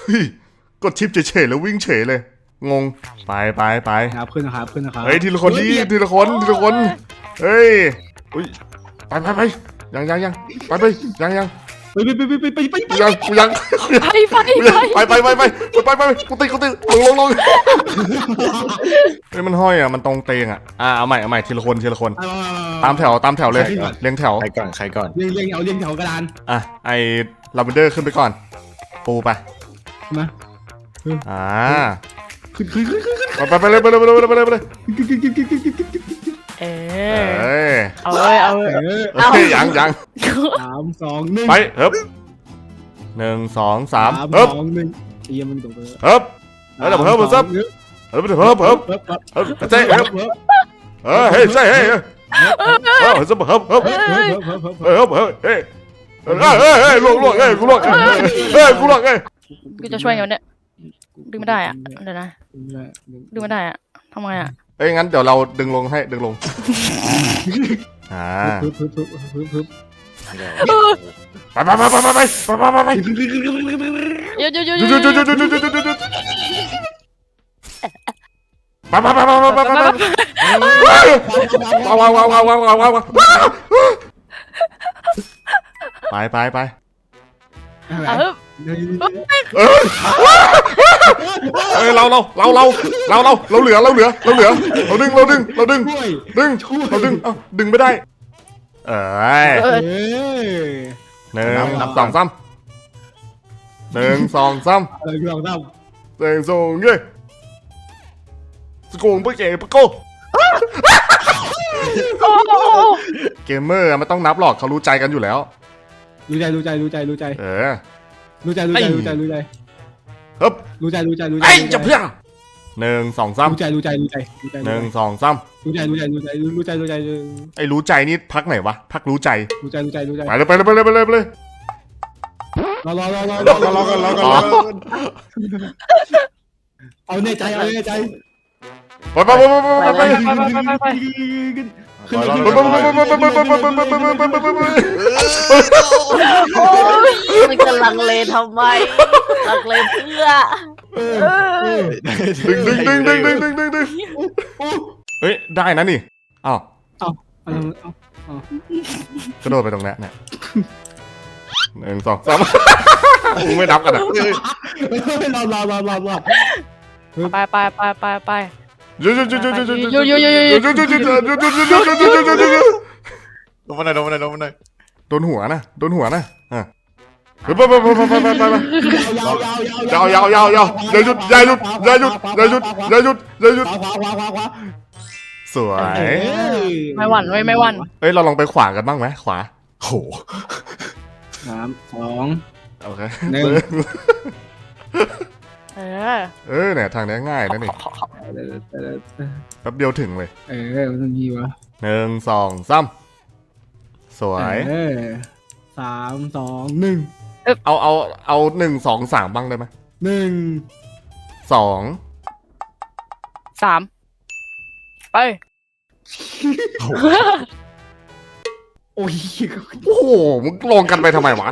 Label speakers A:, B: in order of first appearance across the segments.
A: ฮ้ยกดชิปเฉยๆแล้ววิ่งเฉยเลยงงไป
B: ครับขึ้นนะครับ
A: เฮ้ยทีละคนดิทีละคนเฮ้ยอุ้ยไปยังยังไปยัง
B: ไป
A: ยังกูยัง
C: ไป
A: ไปกูติลงเฮ้ยมันห้อยอ่ะมันตรงเตงอ่ะเอาใหม่ทีละคนตามแถวเลยเรียงแถว
D: ใครก่อน
B: เรียงแถวกระดาน
A: ไอลาเวนเดอร์ขึ้นไปก่อนปูไป
B: มา
A: ขึ้นไปเลย
C: เอา
A: ยัง
B: 3 2 1
A: ไปเฮ้ย1 2 3เฮ้ย
B: เยี่ยมมันตรงไป
A: เฮ้ยเฮ้ยซับเฮ้ยเจ๊เฮ้ยใช่เฮ้ยซับเฮ้ยล่วง
C: กูจะช่วยไงเนี่ยดึงไม่ได้อ่ะเดี๋ยวนะดึงไม่ได้อ่ะทำไงอ่ะ
A: งั้นเดี๋ยวเราดึงลงให้ดึงลงไป
C: หยุด
A: ไปเราเหลือเราดึงดึงไม่ได้1 2 3 1 2 3สกูงไปเก๋ปะโก้เกมเมอร์มันต้องนับหรอกเขารู้ใจกันอยู่แล้ว
B: รู้ใจ
A: รู้ใจ
B: รู้ใจ
A: เฮ้ยจะเพื่อ1 2 3
B: รู้ใจ
A: 1 2 3รู้ใจไอ้รู้ใจนี่พักไหนวะพักรู้ใจไปเลย
B: รอเอาเนใจ
A: ไป
C: มันจะลังเลทำไมลังเลเพื่อ
A: ดึงเฮ้ยได้นะนี่อ้าวกระโดดไปตรงนั้นเนี่ย1 2 3ไม่นับกันอ่ะ
C: ไป
A: หยุด
D: ลงมาหน่อย
A: โดนหัวนะไปยาวอย่าหยุดสวย
C: ไม่หวั่น
A: เราลองไปขวากันบ้างไหมขวา
D: โห
B: 3 2
A: โอเคเนี่ยทางนี้ง่ายนะนี่แป๊บเดียวถึงเลย
B: มันมีวะ
A: 1 2 3สวย
B: 3 2 1
A: เอา1 2 3บ้างได้ไหม
B: 1
C: 2 3ไป
B: โอ้
A: โหมึงลงกันไปทำไมวะ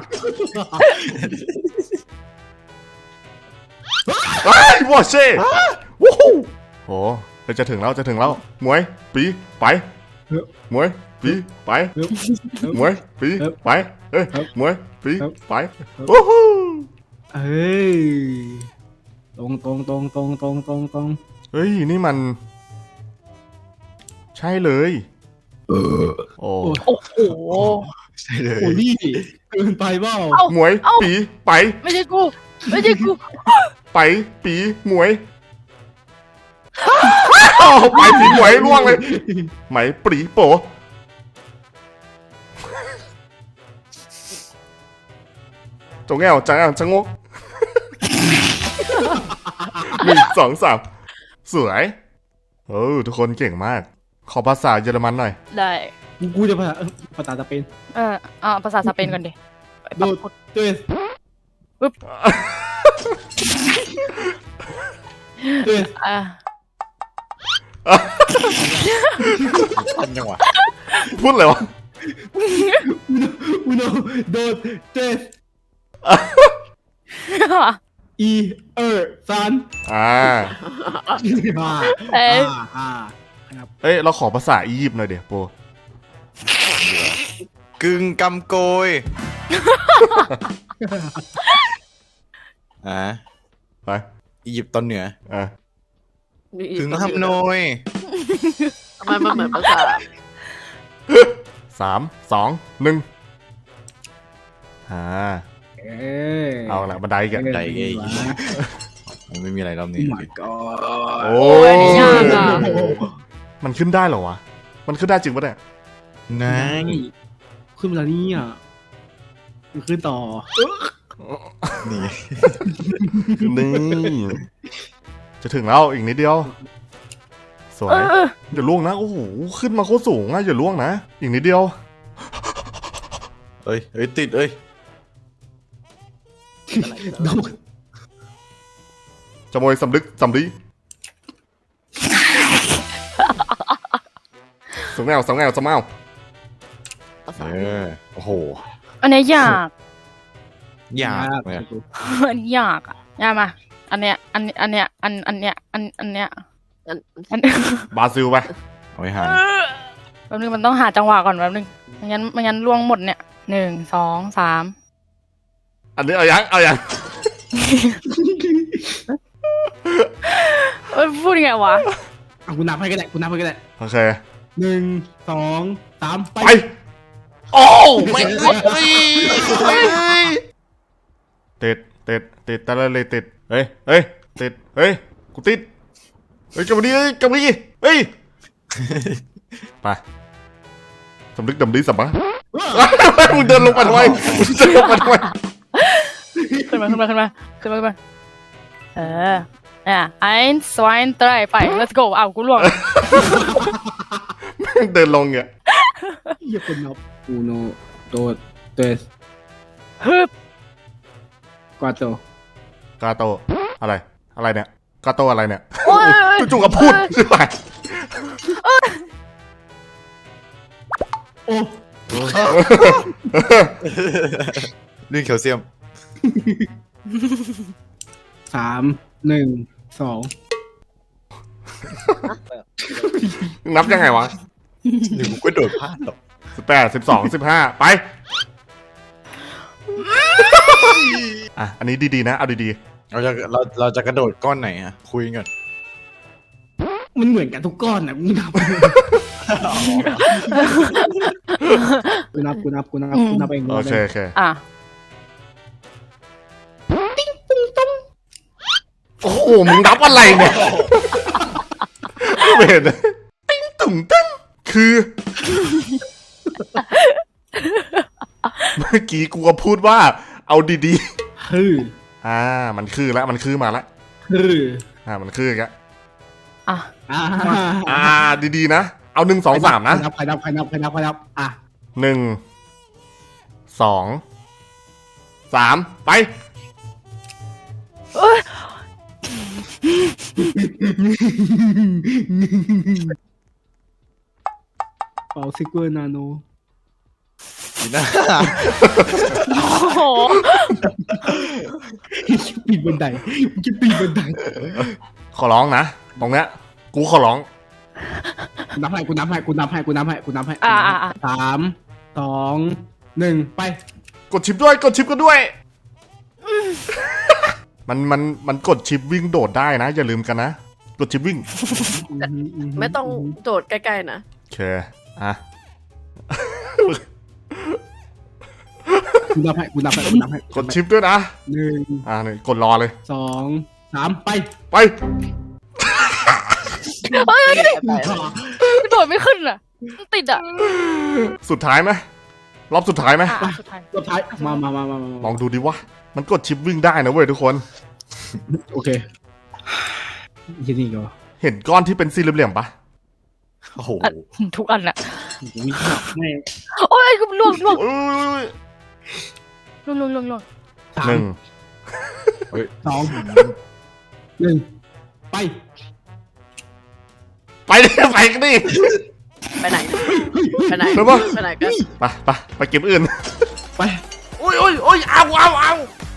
A: ไอ้วอเช่วู้โหเราจะถึงแล้วหมวยปีไปหมวยปีไปหมวยปีไปหมวยปีไปวู้ฮู้
B: ตรง
A: เฮ้ยนี่มันใช่เลยโอ้
C: โห
D: ใช่เลย
B: โอ้นี่เกินไปเปล่า
A: หมวยปีไป
C: ไม่ใช่กู
A: ไปปีหมวยไปปีหมวยล่วงเลยไหมปรีโปจงแง่วจังงก1 2 3สวยทุกคนเก่งมากขอภาษาเยอรมันหน่อย
C: ได้
B: กูจะภาษาสเปน
C: ภาษาสเปนก่อนดิ
B: โดดเตะปึ๊บ
D: ทันจังหวะ
A: พูดเลยวะ
B: โดดเตะอีซัน
A: อ่า
C: เอ้ย
B: ครับ
A: เอ้ยเราขอภาษาอียิปต์หน่อยเดี๋ยวโป
D: กึ่งกำโกย
A: ไป
D: อียิปต์ตอนเหนือ
A: อ่ะ
D: กึ่งฮัมโนย
E: ทำไมมันเหมือนภาษา
A: 3 2 1เอาละบันไดกัน
D: ใดเอ้ยมันไม่มีอะไรรอบนี้
B: my god
A: โอ้
C: ยยากอะ
A: มันขึ้นได้เหรอวะ มันขึ้นได้จริงปะเนี่ย
D: นาย
B: ขึ้นมาแล้วนี่อ่ะมันขึ้นต่อ
D: นี่
A: นี่จะถึงแล้วอีกนิดเดียว สวยอย่าล่วงนะโอ้โหขึ้นมาโคตรสูงอะอย่าล่วงนะอีกนิดเดียว
D: เอ้ยติดเอ้ย
A: จะโมยสำลึกสำลีสงแงวสงแงวสมาว
E: ภาษา
D: โอ้โห
C: อันเนี้ยยาก
D: ยากเลย
C: อันนี้ยากอะยากมาอันเนี้ยอันเนี้ยอันเนี้ยอันเนี้ย
E: อัน
C: อัน
A: บราซิลไป
D: เอาไว้หา
C: แป๊บนึงมันต้องหาจังหวะก่อนแป๊บนึงไม่งั้นล่วงหมดเนี่ย1 2 3
A: อันนี้เอายัง
C: พูดยังไงวะ
B: เอากูนับให้ก็ได้กูนับให้ก็ได้
A: โอเค
B: 1 2 3ไป
A: ไปโอ้ไม่ติดตะเลยติดเฮ้ยติดเฮ้ยกูติดเฮ้ยกลับมาดิเฮ้ยไปสำลึกดำดีสัมปะมึงเดินลงไปทำไมขึ้นมาeins zwei drei ไป let's go อ้าวกูล่วงเดินลงเนี่ย
B: เหี้ยคนนับ uno dos tres
C: ฮึบ
B: cuatro
A: กาโตอะไรเนี่ยกาโตอะไรเนี่ย
C: โอ้ย
A: จู่ๆก็พูดใช่ไหม
B: โอ้
D: ลื่นแคลเซียม
B: 3 1 2
A: นับยังไงวะ
D: หรือกูก็โดดพลาดหรอก
A: 18 12 15ไปอ่ะอันนี้ดีๆนะเอาดี
D: เราจะกระโดดก้อนไหนฮะคุยกัน
B: มันเหมือนกันทุกก้อนนะกูนับกูนับเอง
A: ๆโอเค
C: อ่ะ
A: โอ้โหมึงนับอะไรเนี่ยไม่เห็นติ้งตุ่งติ้งคือเมื่อกี้กูก็พูดว่าเอาดี
B: ฮือ
A: ๆมันคือแล้วมันคือมาแล้ว
B: ฮือ
A: มันคืออีกแล้ว
C: อ่ะ
A: ดีๆนะเอา1 2 3นะ
B: ใครนับอ่ะ
A: 1 2 3ไป
B: เป่าซิกเวอร์นาโน
D: ดีนะ
C: โอ้โห
B: ปีนบันไดมึงจะปีนบันได
A: ขอร้องนะตรงเนี้ยกูขอร้อง
B: กูนับให้
C: อ่ะ
B: 3 2 1ไป
A: กดชิปกันด้วย มันกดชิปวิ่งโดดได้นะอย่าลืมกันนะกดชิปวิ่ง
E: ไม่ต้องโดดใกล้ๆนะ
A: โอเคอ่ะ
B: กูนับให้
A: กดชิปด้วยนะ
B: 1
A: นี่กดรอเลย
B: 2 3ไป
A: ไป
C: โดดไม่ขึ้นอ่ะมันติดอ่ะ
A: สุดท้ายไหมรอบสุดท้ายไหม
C: อ่ะสุดท้าย
B: สุดท้ายมา
A: ลองดูดิวะมันกดชิปวิ่งได้นะเว้ยทุกคน
B: โอเคยี่นี่ก็
A: เห็นก้อนที่เป็นสี่เหลี่ยมๆปะ
D: โอ้โห
C: อ่ะทุกอันอ่ะ
B: วิ่งไม่
C: โอ้ยกูล่วง
A: อุ้ย
C: ล่วง
A: 1
B: 2 1ไป
A: ไปดิไปกันดิ
E: ไปไหน
A: ไปไหนกัน
E: ไปไหนกัน
A: ไปเก็บอื่น
B: ไป
A: อุ้ยเอา